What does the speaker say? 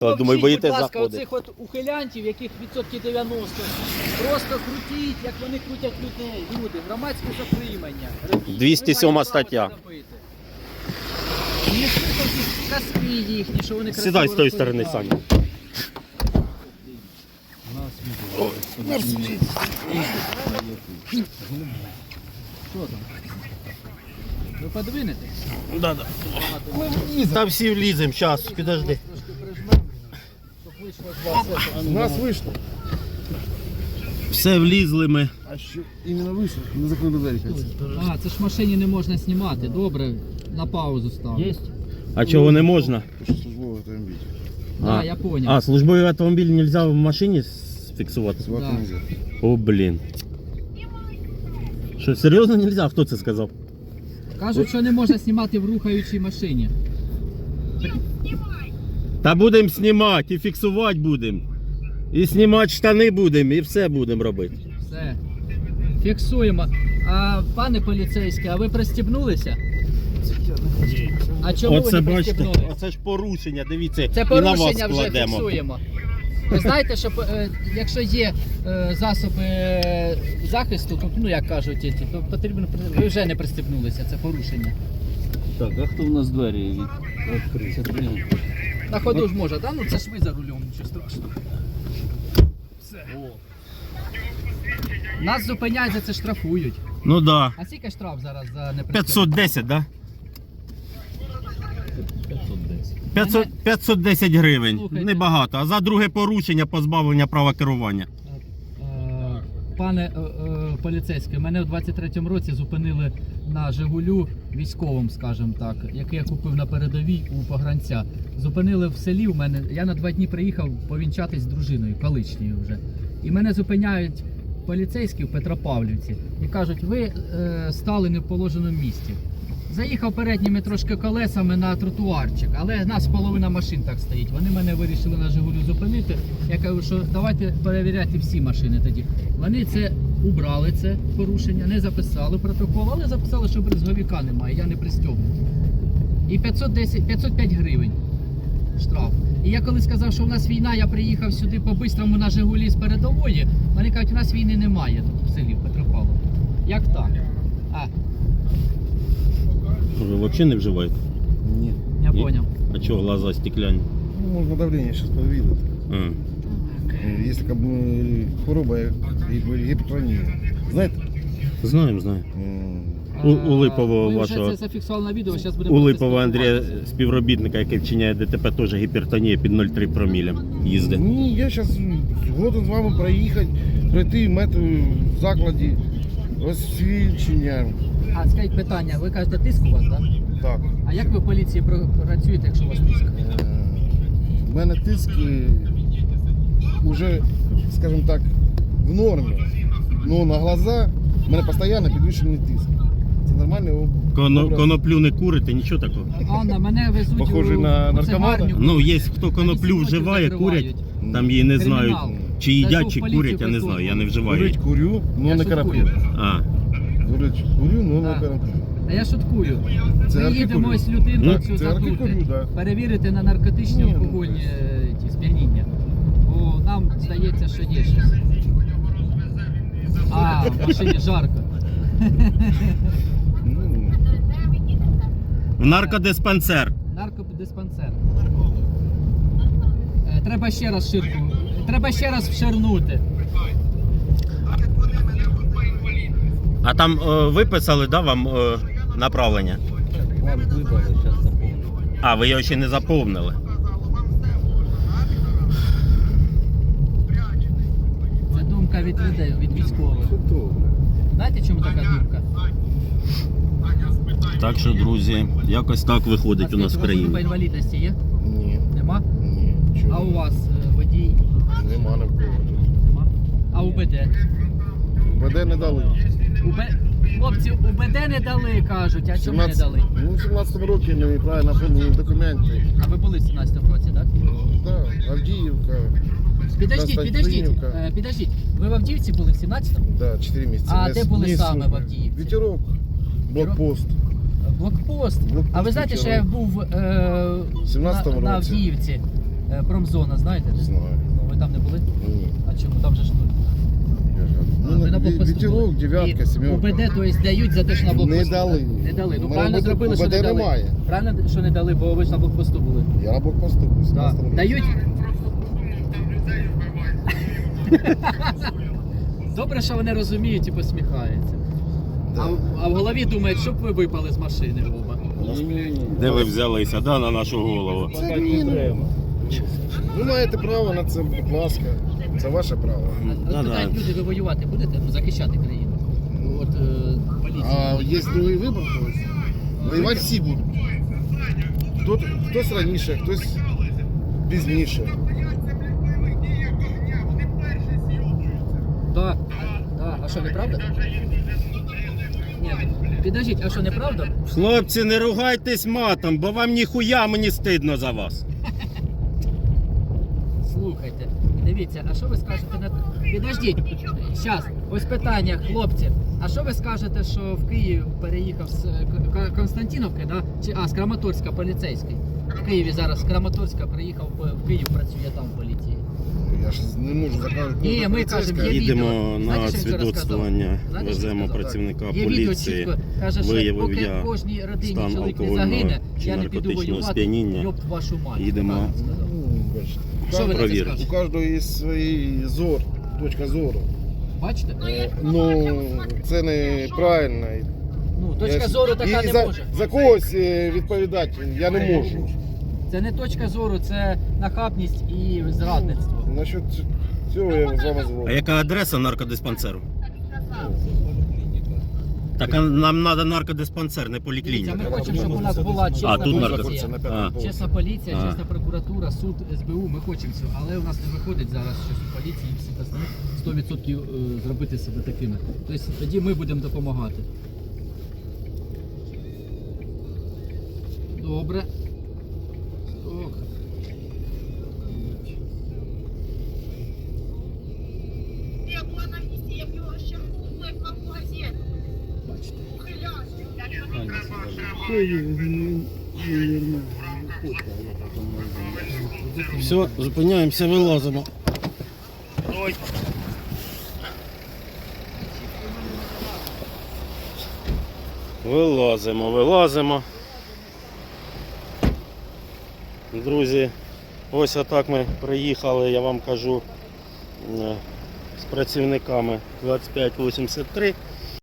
Думаю, боїтесь будь ласка, заходити. оцих от ухилянтів, яких відсотків 90, просто крутіть, як вони крутять людей. Люди, громадське затримання. 207 стаття. Не слухайте казки їхні, що вони красиво Сідай з тої сторони, розповідають. Саня. Що там? Ви подвинете? Да. Та всі вліземо, зараз, підожди. Трошки прижмемо, щоб вийшло з вас. У нас вийшло. Все влізли ми. А що іменно вийшло? Не закрили двері. А, це ж в машині не можна знімати. Добре, на паузу ставлю. Є? А чого не можна? Що службовий автомобіль. А, я понял. А, службовий автомобіль не можна в машині фіксувати? Свати Да. нельзя. О, блін. Що, серйозно не можна? Хто це сказав? Кажуть, що не можна знімати в рухаючій машині. Та будемо знімати і фіксувати будемо. І знімати штани будемо, і все будемо робити. Все. Фіксуємо. А, пане поліцейський, а ви пристібнулися? А чому ви Оце не бачите, пристібнулися? оце ж порушення, дивіться, Це і на вас порушення вже складемо. фіксуємо. Ви знаєте, що якщо є засоби захисту, то, ну як кажуть, то потрібно, ви вже не пристібнулися, це порушення. Так, а хто в нас двері відкриє? На ходу ж може, да? Ну це ж ви за рулем, нічого страшного. Все. Нас зупиняють, за це штрафують. Ну да. А скільки штраф зараз за непристібну? 510, да? 510. 510 гривень. Слухайте. Небагато. А за друге порушення позбавлення права керування. Пане поліцейський, мене в 23-му році зупинили на Жигулю військовим, скажімо так, який я купив на передовій у погранця. Зупинили в селі у мене, я на 2 дні приїхав повінчатись з дружиною, колишньою вже. І мене зупиняють поліцейські в Петропавлівці і кажуть, ви стали не в положеному місці. Заїхав передніми трошки колесами на тротуарчик, але нас половина машин так стоїть. Вони мене вирішили на Жигулю зупинити. Я кажу, що давайте перевіряти всі машини тоді. Вони це убрали, це порушення, не записали протокол, але записали, що брезговіка немає, я не пристьобнутий. І 505 гривень штраф. І я коли сказав, що у нас війна, я приїхав сюди по-бистрому на Жигулі з передової, вони кажуть, у нас війни немає тут в селі, в Петропавлові. Як так? Ви взагалі не вживаєте? Ні. Я Ні. понял. А чого глаза стекляні? Ну, можна давлення зараз перевірити. Є така хвороба, як гіпертонія. Знаєте? Знаємо. У Липового Ми вашого. вже це зафіксували на відео, зараз будемо У Липового Андрія, спілкуватися. співробітника, який вчиняє ДТП, теж гіпертонія під 0,3 промілем їздить. Ні, я зараз згоден з вами проїхати, пройти в закладі освідчення. А скажіть питання, ви кажете, тиск у вас, так? Так. А як ви в поліції працюєте, якщо у вас тиск? У мене тиск вже, скажімо так, в нормі. Ну на глаза в мене постійно підвищений тиск. Це нормальний образ. Коноплю не курите, нічого такого. Анна, мене везуть Похожий у на наркомана? цигарню. Ну, є хто коноплю Сьогодні вживає, закривають. курять, там її не знають, Кримінал. чи Даже їдять, в чи поліцію курять, я не знаю, я не Курить вживаю. курю, Я но не шуткую. карапет. А, Курить курю, но Да. не карапет. А я шуткую. Це Ми їдемо архікурю. ось людину Ну, цю це архікурю, задути, да. перевірити на наркотичні Ні, ну, алкогольні ті сп'яніння. Бо нам здається, що є щось. А, в машині жарко. Ну, в наркодиспансер. Наркодиспансер. Треба ще раз ширку. Треба ще раз вширнути. А там виписали, да, вам направлення? Вам видали, зараз заповню. А, ви його ще не заповнили. Це думка від людей, від військових. Знаєте, чому така думка? Так що, друзі, якось так виходить у нас в Група країні. інвалідності є? ні, Нема? ні, А чого. у вас водій? Нема на кого. Нема. А УБД? БД не дали. Хлопці, УБД не дали, кажуть. А чому не дали? Ну, в 17-му році неправильно оформлені документи. А ви були в 17-му році, так? Так, Авдіївка, Підождіть. Константинівка. Підождіть. Ви в Авдіївці були в 17-му? да, 4 місяці. А Не- де були не саме служби. в Авдіївці? Вітерок, блокпост. Блокпост. Блокпост А ви знаєте, що я був 17-му на році. Авдіївці Промзона, знаєте? Знаю. Ну, ви там не були? Ні. А чому? Там же ж Я ж А, ви на говорю. блокпосту Вітерок, були? дев'ятка, І сімерка. УБД, то есть дають за те, що на блокпосту. Не дали. Не дали. Ну У мене правильно УБД зробили, що не дали. немає. Правильно, що не дали, бо ви ж на блокпосту були. Я на блокпосту був. Да. Дають. Добре, що вони розуміють і посміхаються. Да. А в голові думають, щоб ви випали з машини оба. Де ви взялися, да, на нашу голову? Це міна. Ви маєте право на це, будь ласка. Це ваше право. От Да-да. питають люди, ви воювати будете? Ну, захищати країну. От поліція. А є другий вибір когось? Воювати всі будуть. Хтось раніше, хтось пізніше. Да. Да. А що, неправда? Ні, підождіть, а що, неправда? Хлопці, не ругайтесь матом, бо вам ніхуя мені стидно за вас. Слухайте, дивіться, а що ви скажете на... Підождіть, зараз, ось питання, хлопці. А що ви скажете, що в Київ переїхав з Константиновки, да? З Краматорська поліцейський? В Києві зараз з Краматорська приїхав в Київ, працює там в поліції. Я ж не можу заказати. Ні, ми кажемо, є Їдемо відео. на Знаєте, що він вчора свідоцтвування, сказав? Знаєте, що він веземо сказав? працівника Є відео поліції. чітко, каже, що виявив поки я в кожній родині стан чоловік не алкогольного загине, чи я не піду наркотичного воювати, сп'яніння. йоб вашу мать. Їдемо. Так він сказав. Бачите. Що ви на це Провірте. У скажете? кожного є свій точка зору. Бачите? Ну, це неправильно. Ну, точка зору така І не за, може. за когось відповідати я не можу. Це не точка зору, це нахабність і зрадництво. Насчет цього я з вами А згоден. яка адреса наркодиспансеру? Так а нам треба наркодиспансер, не Дивіться, поліклініка. ми хочемо, щоб у нас була чесна тут поліція. наркотики. А. Чесна поліція, А. чесна прокуратура, суд, СБУ, ми хочемо цього, але у нас не виходить зараз щось у поліції і всіх остальних 100% зробити себе такими. Тобто тоді ми будемо допомагати. Добре. Ок. Я була на місці, я б його ще впливав в магазин. Бачите. Ухиляшки, я не Все, зупиняємося, вилазимо. Вилазимо. Друзі, ось отак ми приїхали, я вам кажу, з працівниками 2583.